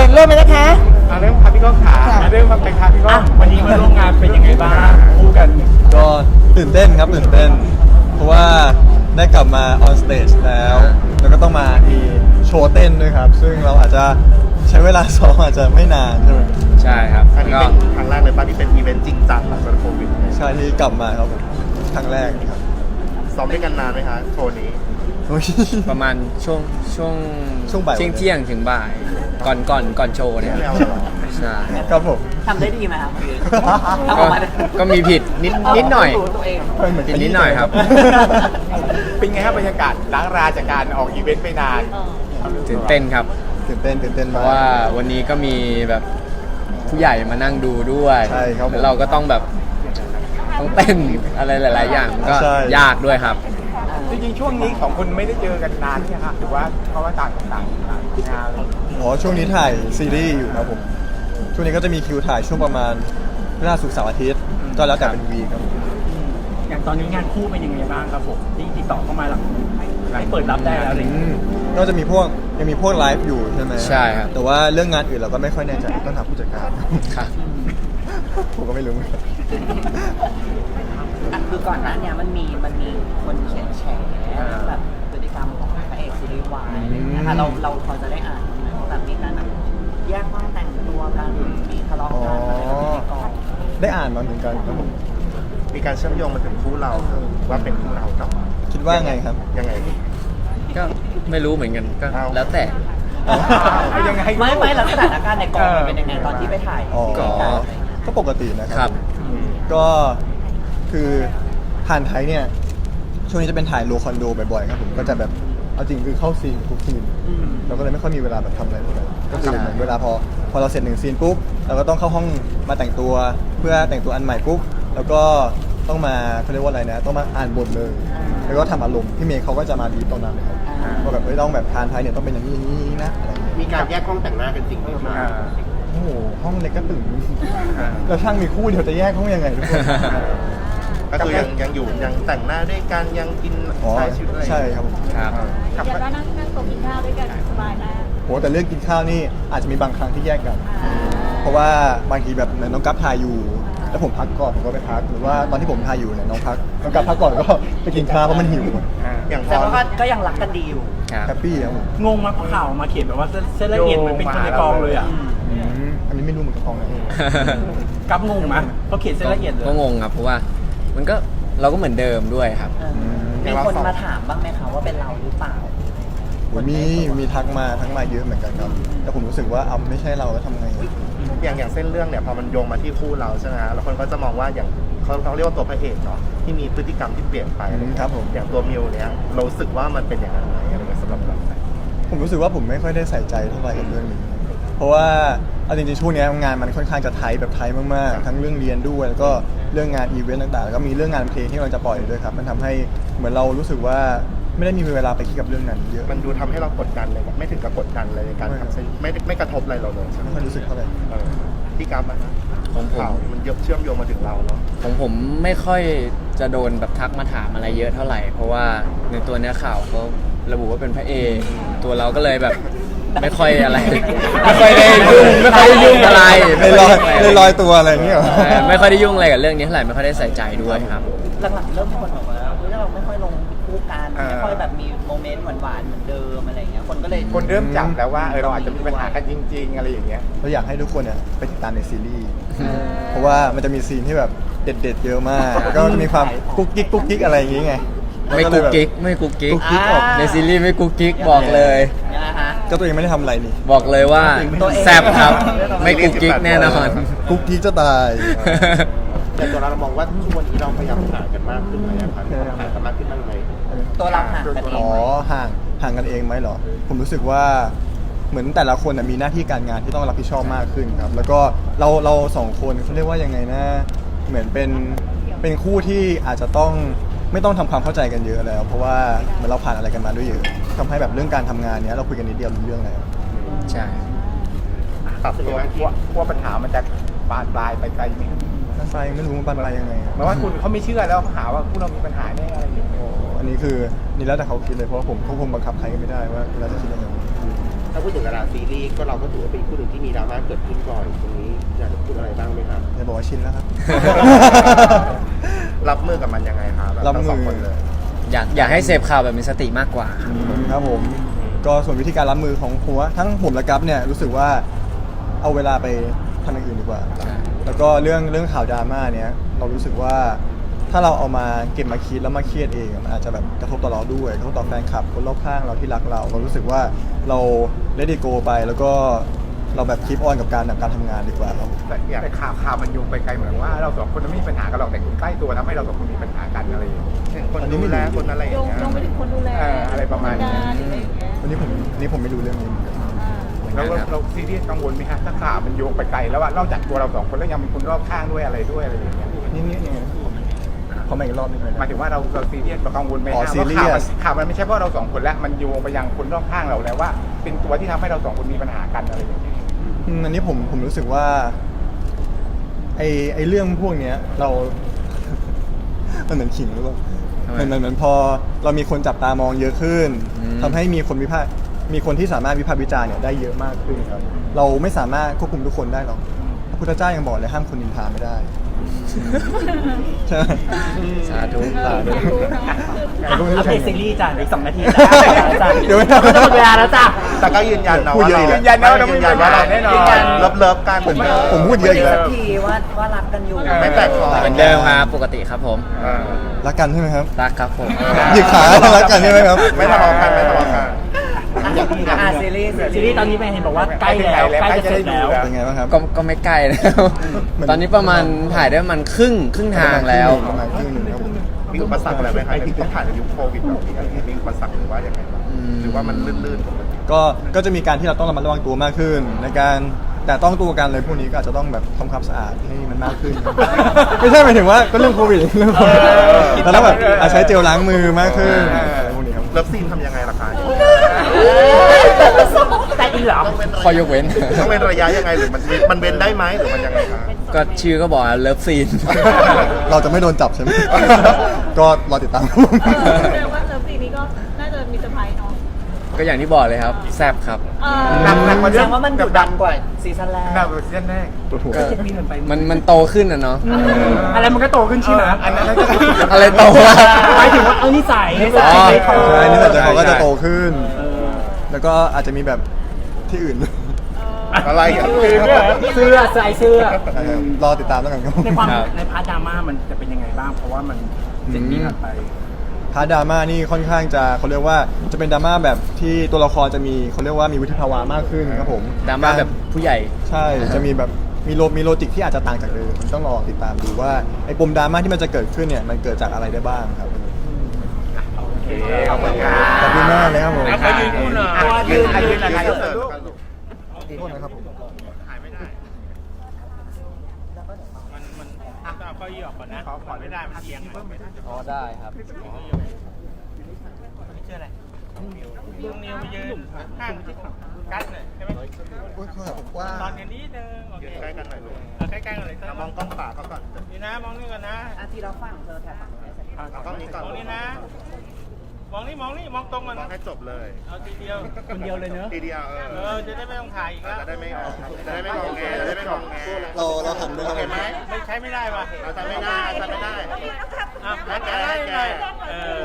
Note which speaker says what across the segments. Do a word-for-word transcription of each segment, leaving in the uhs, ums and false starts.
Speaker 1: เริ่มเลยนะคะ
Speaker 2: อ่ะเริ่มครับพี่ก้องขาอ่ะเริ่มมาเป็นครับพี่ก้องวันนี้มาร่วมงานเป็นยังไงบ้างคู่กัน
Speaker 3: ก็ตื่นเต้นครับตื่นเต้น เพราะว่าได้กลับมาออนสเตจแล้ว แล้วก็ต้องมามีโชว์เต้นด้วยครับ ซึ่งเราอาจจะใช้เวลาซ้อมอาจจะไม่นานใช่ไหม
Speaker 4: ใช่ครับ
Speaker 2: อันนี้
Speaker 4: ก็
Speaker 2: เป็นครั้งแรกเลยป่ะที่เป็นอีเวนต์จริงจังหลังจากโควิดเนี่ย
Speaker 3: ใช่ที่กลับมาครับผมครั้งแรกครับ
Speaker 2: ซ้อมด้วยกันนานไหมคะโชว์นี้
Speaker 3: โอ้ย
Speaker 4: ประมาณช่วงช่วง
Speaker 3: ช่วงบ่าย
Speaker 4: เที่ยงเที่ยงถึงบ่าย ก่อนก่อนก่อนโชว์เนี่ย
Speaker 2: ไม่เอาเหรอ
Speaker 4: ใช่
Speaker 3: ครับผม
Speaker 5: ทำได้ดีไหมครับ
Speaker 4: ก็ก็มีผิดนิดนิดหน่อย
Speaker 5: ตัวเอง
Speaker 3: เหมือน
Speaker 4: ผิดนิดหน่อยครับ
Speaker 2: เป็นไงครับบรรยากาศล้างราจากการออกอีเวนต์ไปนาน
Speaker 4: ตื่นเต้นครับ
Speaker 3: ตื่นเต้นตื่นเต้น
Speaker 4: เพ
Speaker 3: มาก
Speaker 4: ราะว่าวันนี้ก็มีแบบผู้ใหญ่มานั่งดูด้วย
Speaker 3: ใช่ครับผม
Speaker 4: แล้วเราก็ต้องแบบต้องเต้นอะไรหลาย ๆ อย่างก็
Speaker 3: ใช่
Speaker 4: ยากด้วยครับ
Speaker 2: จริงๆช่วงนี้ของคุณไม่ได้เจอกันนานใช่ไหมครับหรือว่าเพราะว่าต่างคนต่างงาน
Speaker 3: อ๋อช่วงนี้ถ่ายซีรีส์อยู่ครับผม ช่วงนี้ก็จะมีคิวถ่ายช่วงประมาณพฤหัสศุกร์เสาร์อาทิตย์ ก็แล้วแต่เป็นวีคครับผม
Speaker 6: อย่างตอนนี้งานคู่เป็นยังไงบ้างครับผมที่ติดต่อเข้ามาหลังให้เปิดรับได้แล้วอะไรอย่าง
Speaker 3: อื
Speaker 6: เงี้ย
Speaker 3: มก็จะมีพวกยังมีพวกไลฟ์อยู่ใช่ไหม
Speaker 4: ใช่ครับ
Speaker 3: แต่ว่าเรื่องงานอื่นเราก็ไม่ค่อยแน่ใจต้องถามผู้จัดการ
Speaker 4: ครับ
Speaker 3: ผมก็ไม่รู้เหมือนกัน
Speaker 5: อ่ะคือก่อนหน้าเนี้ยมันมีมันมีคนเขียนแฉแบบพฤติกรรมของพระเอกซีรีส์วายอะไรอย่างเงี้ยค่ะเราเราพอจะได้อ่านไหมว่าแบบมีการแบบแยกห้องแต่งตัวกันมีทะเลาะกันอะไรแบบนี้ในกอง
Speaker 3: ได้อ่านมาเหมือนกันครับผม
Speaker 2: มีการเชื่อมโยงมาถึงคู่เราว่าเป็นคู่เรากับ
Speaker 3: คิดว่าไงครับ
Speaker 2: ยังไง
Speaker 4: ก็ไม่รู้เหมือนกันก็
Speaker 2: เอา
Speaker 4: แล้วแต่
Speaker 2: เอายังไง
Speaker 5: ไม่ไม่แล้วสถานการณ์ในกองมันเป็นยังไงตอนที่ไปถ่าย
Speaker 3: อ๋อ
Speaker 4: ก็
Speaker 3: ก็ปกตินะค
Speaker 4: ครั
Speaker 3: รับ ก็คือผ่านไทยเนี่ย ช่วงนี้จะเป็นถ่ายโลคอนโดบ่อยๆครับผม ก็จะแบบ เอาจริงคือเข้าซีนทุกซีน เราก็เลยไม่ค่อยมีเวลาแบบทำอะไรเลยก็คือเหมือนเวลาพอพอเราเสร็จหนึ่งซีนปุ๊บ เราก็ต้องเข้าห้องมาแต่งตัว เพื่อแต่งตัวอันใหม่ปุ๊บ แล้วก็ต้องมาเขาเรียกว่าอะไรนะ ต้องมาอ่านบทเลย แล้วก็ทำอารมณ์ พี่เมย์เขาก็จะมาดีตรงนั้นเลยครับว่าแบบเฮ้ยต้องแบบทานไทยเนี่ยต้องเป็นอย่างนี้อย่างนี้นะอะไรอย่างเงี้ย
Speaker 2: มีการแยกห้องแต่งหน้ากันจริงไหมครับ
Speaker 3: โอ้โห ห้องเล็กก็ตึงแล้วช่างมีคู่เดียวจะแยกห้องยังไงทุกคน
Speaker 2: ก็คือยังยังอยู่ยังแต่งหน้าด้วยกันยังกิน
Speaker 3: อ๋อ
Speaker 2: ใช้ชีวิตอะไร
Speaker 3: ใช่ครับผม
Speaker 4: ครับ
Speaker 2: ครับ
Speaker 7: เดี๋ยวว่านั่งนั่งโต๊ะกินข้าวด้วยกันสบายมาก
Speaker 3: โหแต่เรื่องกินข้าวนี่อาจจะมีบางครั้งที่แยกกัน เพราะว่าบางทีแบบเหมือนน้องกัฟถ่ายอยู่ แล้วผมพักก่อนผมก็ไปพัก หรือว่าตอนที่ผมถ่ายอยู่เนี่ยน้องพักน้องกัฟพักก่อนก็ไปกินข้าวเพราะมันหิว
Speaker 2: อย่างพ
Speaker 5: แต่
Speaker 2: อ
Speaker 5: ว่าก็ก็ยังรักกันดีอยู่
Speaker 4: ครับ
Speaker 3: แฮปปี้ครับผม
Speaker 6: งงมากเพราะข่าวมาเขียนแบบว่าเส้นเส้นละเอียดเหมันเป็นคนในกองเลยอ่ะ
Speaker 3: อืมอันนี้ไม่รู้เหมือนกับของไหน
Speaker 6: กับงงไหมเพราะเขียนเส้นละเอียดเลย
Speaker 4: ก็งงครับ เพราะว่ามันก็เราก็เหมือนเดิมด้วยครับ
Speaker 5: เออมีคนมาถามบ้างไหมคะว่าเป็นเราหรือเปล่า
Speaker 3: โหมีมีทักมาทักมาเยอะเหมือนกันครับแต่ผมรู้สึกว่าเอาไม่ใช่เราแล้วทำไง
Speaker 2: อย่างอย่างเส้นเรื่องเนี่ยพอมันโยงมาที่คู่เราใช่ไหมฮะแล้วคนก็จะมองว่าอย่างเขาเขาเรียกว่าตัวพระเอกเนาะที่มีพฤติกรรมที่เปลี่ยนไปอะไรเงี้ย
Speaker 3: ครับผม
Speaker 2: อย่างตัวมิวเนี่ยเรารู้สึกว่ามันเป็นอย่างนั้นไหมอะไรเงี้ยสำหรับเรา
Speaker 3: ผมรู้สึกว่าผมไม่ค่อยได้ใส่ใจเท่าไหร่กับเรื่องนี้ เพราะว่าเอาจริงๆช่วงนี้งานมันค่อนข้างจะไทยแบบไทยมากๆ ทั้งเรื่องเรียนด้วยแล้วก็เรื่องงานอีเวนต์ต่างๆ แล้วก็มีเรื่องงานเพลงที่เราจะปล่อยด้วยครับ มันทำให้เหมือนเรารู้สึกว่าไม่ได้มีเวลาไปคิดกับเรื่องนั้นเยอะ
Speaker 2: มันดูทำให้เรากดดันเลยแบบไม่ถึงกับกดดันเลยในการ
Speaker 3: ไม่
Speaker 2: ทำซีรีส์ไม่ได้ไม่กระทบอะไรเราเลยใช่ไหม
Speaker 3: ไม่ค่อยรู้สึกเท่าไหร่
Speaker 2: เออที่กราฟอะนะ
Speaker 4: ของผม
Speaker 2: ข่าวมันเยอะเชื่อมโยงมาถึงเราเนาะ
Speaker 4: ของผมไม่ค่อยจะโดนแบบทักมาถามอะไรเยอะเท่าไหร่ เพราะว่าในตัวเนื้อข่าวเขาระบุว่าเป็นพระเอกตัวเราก็เลยแบบไม่ค่อยอะไร ไม่ค่อยได้ยุ่งไม่ค่อยได้ยุ่งอะไร
Speaker 3: เลยลอยเลยลอยตัวอะไรอย่างเงี้ยเหรอ
Speaker 4: ใช่ไม่ค่อยได้ยุ่งอะไรกับเรื่องนี้เท่าไหร่ไม่ค่อยได้ใส่ใจด้วยครับ
Speaker 5: หลังๆเริ่มคนบอกว่าเฮ้ยเราไม่ค่อยลงคู่กันไม่ค่อยแบบมีโมเมนต์หวานๆเหมือนเดิมอะไรอย่างเงี้ยคนก็เลย
Speaker 2: คนเริ่มจับแล้วว่าเออเราอาจจะมีปัญหากันจริง ๆ อะไรอย่างเงี้ย
Speaker 3: เราอยากให้ทุกคนเนี่ยไปติดตามในซีรีส์ เพราะว่ามันจะมีซีนที่แบบเด็ดๆเยอะมาก แล้วก็จะมีความกุ๊กกิ๊กกุ๊กกิ๊กอะไรอย่างงี้ไง
Speaker 4: ไม่กุ๊กกิ๊กไม่กุ๊กกิ๊ก
Speaker 3: กุ๊กกิ๊กออก
Speaker 4: ในซีรีส์ไม่กุ๊กกิ๊กบอกเลย
Speaker 5: ยังไงฮะ
Speaker 3: ก็ตัวเองไม่ได้ทำอะไรนี่
Speaker 4: บอกเลยว่า
Speaker 5: ตัวเอง
Speaker 4: แซบครับ ไม่กุ๊กกิ๊กแน่นอน
Speaker 3: กุ๊กกิ๊กจะตาย
Speaker 2: แต่ตัวเรามองว่าช่วงนี้เราพยายามหากันมากขึ้นไหมอะครับหากันมากขึ้นบ้างไหม
Speaker 5: ตัวเราห่างกันเอง
Speaker 3: อ๋อ
Speaker 5: ไหม
Speaker 3: ห่างห่างกันเองไหมเหรอ ผมรู้สึกว่าเหมือนแต่ละคนน่ะมีหน้าที่การงานที่ต้องรับผิดชอบมากขึ้นครับ แล้วก็เราเราสองคนเขาเรียกว่ายังไงนะ เหมือนเป็นเป็นคู่ที่อาจจะต้องไม่ต้องทำความเข้าใจกันเยอะแล้ว เพราะว่าเหมือนเราผ่านอะไรกันมาด้วยเยอะทำให้แบบเรื่องการทำงานเนี้ยเราคุยกันนิดเดียวรู้เรื่องแล้ว
Speaker 4: ใช่
Speaker 2: ปรับตัวกลัวกลัวปัญหามันจะบานปลายไปไกลไหม
Speaker 3: ไฟไม่รู้มันบานปลายยังไงอะ
Speaker 2: หมายว่าคุณเขาไม่เชื่อแล้วเขาหาว่าพวกเรามีปัญหาแน่อะไรอย่างเงี้ย
Speaker 3: อันนี้คือนี่แล้วแต่เขาคิดเลยเพราะว่าผมควบคุมบังคับใครก็ไม่ได้ว่าเราจะคิดยังไง
Speaker 5: เอ
Speaker 1: าพูดถึงดาราซีรีส์ก็เราก็ถือว่าเป็นคู่หนึ่งที่มีดราม่าเกิดขึ้นบ่อยตรงนี้อยากจะพูดอะไรบ้างไหมครับ
Speaker 3: จะบอกว่าชินแล้วครับ
Speaker 2: รับมือกับมันยังไงครับแบบ
Speaker 3: รับมือ
Speaker 2: ทั้งสองคนเลย
Speaker 4: อยากอยากให้เสพข่าวแบบมีสติมากกว่าครับ
Speaker 3: ครับผมก็ส่วนวิธีการรับมือของผมว่าทั้งผมและกัฟเนี่ยรู้สึกว่าเอาเวลาไปทำอย่างอื่นดีกว่า
Speaker 4: ใช่
Speaker 3: แล้วก็เรื่องเรื่องข่าวดราม่าเนี่ยเรารู้สึกว่าถ้าเราเอามาเก็บมาคิดแล้วมาเครียดเองมันอาจจะแบบกระทบต่อเราด้วยกระทบต่อแฟนคลับคนรอบข้างเราที่รักเราเรารู้สึกว่าเราเลดิโกไปแล้วก็เราแบบคีปออนกับการการทำงานดีกว่าครับ
Speaker 8: แต่แต่ข่าวข่าวมันโยงไปไกลเหมือนว่าเราสองคนไม่มีปัญหากันหรอกแต่คนใกล้ตัวทำให้เราสองคนมีปัญหากันอะไรอย่างเงี้ย
Speaker 2: เห็นคนดูแลคนอะไรอ
Speaker 7: โย
Speaker 2: ย่าง
Speaker 7: ง
Speaker 2: เงี้ย
Speaker 7: โยงไปถึงคนดูแล
Speaker 8: เอออะไรประมาณนี้
Speaker 7: งนหรืออะไรอย่างเงี้ย
Speaker 3: วันนี้ผมวันนี้ผมไม่รู้เรื่องนี้เหมือนกัน
Speaker 7: อ่า
Speaker 8: แล้วเราเราซีเรียสกังวลไหมฮะถ้าข่าวมันโยงไปไกลแล้วว่านอกจากตัวเราสองคนแล้วยังมีคนรอบข้างด้วยอะไรด้วยอะไรอย่างเงี้ย
Speaker 3: นี่นี่ยังไงขอมาอีกรอบหนึงเลย
Speaker 8: หมาย
Speaker 3: นะ
Speaker 8: ถึงว่าเราเราซีเรียสเรากังวลไหม
Speaker 3: อ๋อ
Speaker 8: ฮะ
Speaker 3: ซีเรียส
Speaker 8: ว่าข่าวมันข่าวมันไม่ใช่เพราะเราสองคนแล้วมันโยงไปยังคนรอบข้างเราแล้วว่า เป็นตัวที่ทำให้เราสองคนมีปัญหากันอะไรอย่างเงี้ย
Speaker 3: อืมอันนี้ผมผมรู้สึกว่าไอไอเรื่องพวกเนี้ยเรา มันเหมือนขิงหรือเปล่า
Speaker 4: ทำไม
Speaker 3: เหมือนเหมือนพอเรามีคนจับตามองเยอะขึ้น
Speaker 4: อืม
Speaker 3: ทำให้มีคนวิพากษ์มีคนที่สามารถวิพากษ์วิจารณ์เนี่ยได้เยอะมากขึ้นครับ เราไม่สามารถควบคุมทุกคนได้หรอกพระพุทธเจ้ายังบอกเลยห้ามคนนินทาไม่ได้ ใช่ไหม
Speaker 4: สาธุ
Speaker 3: สาธุ
Speaker 6: อัปเดตซีรีส์จ้ะอีกสองนาทีจ้ะ
Speaker 3: เดี๋ยวไม่
Speaker 6: จะหมดเวลาแล้วจ้ะ
Speaker 2: แต่ก็ยืนยันนะ
Speaker 3: พูด
Speaker 2: ว่า
Speaker 3: เยอะ
Speaker 2: เรา
Speaker 3: อีกแล้ว
Speaker 8: ยืนยันนะว่าเราไม่มีปัญหาแน่นอน
Speaker 2: ยืยัเลิฟเลิฟกันเหมือนเดิม
Speaker 3: ผมพูดเยอะอีกแล้ว
Speaker 5: สักทีว่าว่ารักกันอยู่
Speaker 2: ไม่แปลกคอ
Speaker 4: เหมือนเดิมครับปกติครับผม
Speaker 2: เออ
Speaker 3: รักกันใช่ไหมครับ
Speaker 4: รักครับผม
Speaker 3: หยิกขารักกันใช่ไหมครับ
Speaker 2: ไม่ทะเลาะกันไม่ทะเลาะกัน
Speaker 5: อ่าซีรีส์
Speaker 6: ซีรีส์ตอนนี้ไปเห็นบอกว่าใกล้แล้วใกล้จะเสร็จแล้ว
Speaker 3: เป็นไงบ้างครับ
Speaker 4: ก็ก็ไม่ใกล้แล้ว
Speaker 3: มัน
Speaker 4: ตอนนี้ประมาณถ่ายได้ประมันครึ่งครึ่งทางแล้ว
Speaker 3: ประมาณครึ่งหนึ่งครับผม
Speaker 2: มีอุปสรรคอะไรไหมครับที่ต้องผ่านในยุคโควิดแบบนี้อะไรเงี้ยมีอุปสรรคหรือว่ายังไงบ้าง
Speaker 4: อืม
Speaker 2: หรือว่ามันลื่นๆปกติ
Speaker 3: ก็ก็จะมีการที่เราต้องระมัดระวังตัวมากขึ้น ในการแต่ต้องตัวกันเลยพวกนี้ก็อาจจะต้องแบบทำความสะอาดให้มันมากขึ้น ไม่ใช่หมายถึงว่าก็เรื่องโควิดเรื่องโควิดแล้วต้องแบบอาจใช้เจลล้างมือมากขึ้นอะไรพวกนี้ครับ
Speaker 2: เลิฟซีนทำยังไงล่ะคะ
Speaker 6: ใจอินเหรอ
Speaker 4: ข้อยกเว้น
Speaker 2: ต้องเป็นระยะยังไงหรือมันมันเว้นได้ไหมหรือมันยังไงคะ
Speaker 4: ก็ชื่อก็บอกเลิฟซีน
Speaker 3: เราจะไม่โดนจับใช่ไหม ก็รอติดตาม
Speaker 7: แสดงว่าเลิฟซีนนี้ก็น่าจะมีเซอร์ไพรส์เนาะ
Speaker 4: ก็อย่างที่บอกเลยครับ แซบครับ
Speaker 7: เออ
Speaker 8: หนักหนักกว่า
Speaker 5: แส
Speaker 8: เรื่
Speaker 5: ด
Speaker 8: อง
Speaker 5: งว่ามันดุดันกว่าซีซั่นแรก
Speaker 8: หนักกว่าซีซั่นแรก
Speaker 3: ปวดหัว
Speaker 4: ก็มันมันโตขึ้นนะเนาะ
Speaker 6: อะไรมันก็โตขึ้นใช่ไหม
Speaker 8: อันนั้นก็
Speaker 4: อะไรโตวะ
Speaker 6: หมายถึงว่าเอานิสัยนิสัย
Speaker 4: อ๋อ
Speaker 6: ใจคอ
Speaker 3: ใช่นี่แต่จะเขาก็
Speaker 4: ใช่
Speaker 3: จะโตขึ้น
Speaker 6: เออ
Speaker 3: แล้วก็อาจจะมีแบบที่อื่น
Speaker 2: อะไรอ่ะ
Speaker 6: เสื้อใส่เสื้อ
Speaker 3: รอติดตามแล้วกันครับ
Speaker 6: ในความ
Speaker 4: ครับ
Speaker 6: ในพาร์ทดราม่ามันจะเป็นยังไงบ้าง เพราะว่ามันเจ็ดปีผ่านไป
Speaker 3: พาร์ทดราม่านี่ค่อนข้างจะเขาเรียกว่าจะเป็นดราม่าแบบที่ตัวละครจะมีเขาเรียกว่ามีวุฒิภาวะมากขึ้นครับผม
Speaker 4: ดราม่าแบบผู้ใหญ่
Speaker 3: ใช่จะมีแบบมีโลมีโลจิกที่อาจจะต่างจากเดิมต้องรอติดตามดูว่าไอ้ปมดราม่าที่มันจะเกิดขึ้นเนี่ยมันเกิดจากอะไรได้บ้างครับ
Speaker 8: โอเคขอบคุณครั
Speaker 3: ขอบคุณมากเลยครับผม
Speaker 8: เอาไปยืนคู่หน่อย
Speaker 2: อ่ะยืนอ่ะยืนอ่ะยืน
Speaker 8: เสิร์ฟลูก
Speaker 3: โทษนะครับผม
Speaker 8: ขายไม่ได้มันมันอ่ะเอาเก้าอี้ออกก่อนนะขอขอไม่ได้มันเอียงไม่ได้
Speaker 4: อ๋อได้ครับ
Speaker 8: ชื่ออะไรลุงนิวไปยืนข้างที่กัดหน่อยใช่ไหม
Speaker 3: โอ้ยเขาแบบว่า
Speaker 8: ตอนกันนิดนึงโอเค
Speaker 2: ยืนใกล้กันหน่อยลูก
Speaker 8: เอาใกล้ๆกันเลย
Speaker 2: มองกล้องขวาเขาก่อน
Speaker 8: นี่นะมองนี่ก่อนนะ
Speaker 5: อาทีเราฟังเธอแถบฝั่งนี้
Speaker 2: เอากล้องนี้ก่อน
Speaker 8: มองนี่นะ มองนี่มองนี่มองตรงก่อน
Speaker 2: มอง
Speaker 8: นะ
Speaker 2: ให้จบเลย
Speaker 8: เอาทีเดียว
Speaker 6: คนเดียวเลยเนอะ
Speaker 2: ทีเดียวเอ
Speaker 8: เอ
Speaker 2: อ
Speaker 8: อจะได้ไม่ต้องถ่ายอีกแล้ว
Speaker 2: จะได้ไม่ออกจะได้ไม่งงแงจะได้ไม่งงแง
Speaker 3: เราเราหันด้วย
Speaker 2: โอ
Speaker 3: กัน
Speaker 2: เคไหม
Speaker 8: ไม่ใช้ไม่ได้ว่ะ
Speaker 2: เราทำไม่ได้ทำไม่ได้
Speaker 8: อ่ะงั้นจะได้ยังไงเออ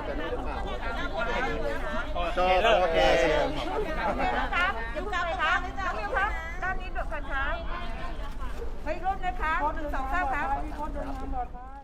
Speaker 2: จบโอเค
Speaker 7: ครับยิ้มครับครับยิ้มครับด้านนี้ดูกันครับไม่รุ่นนะครับหนึ่งสองสามครับ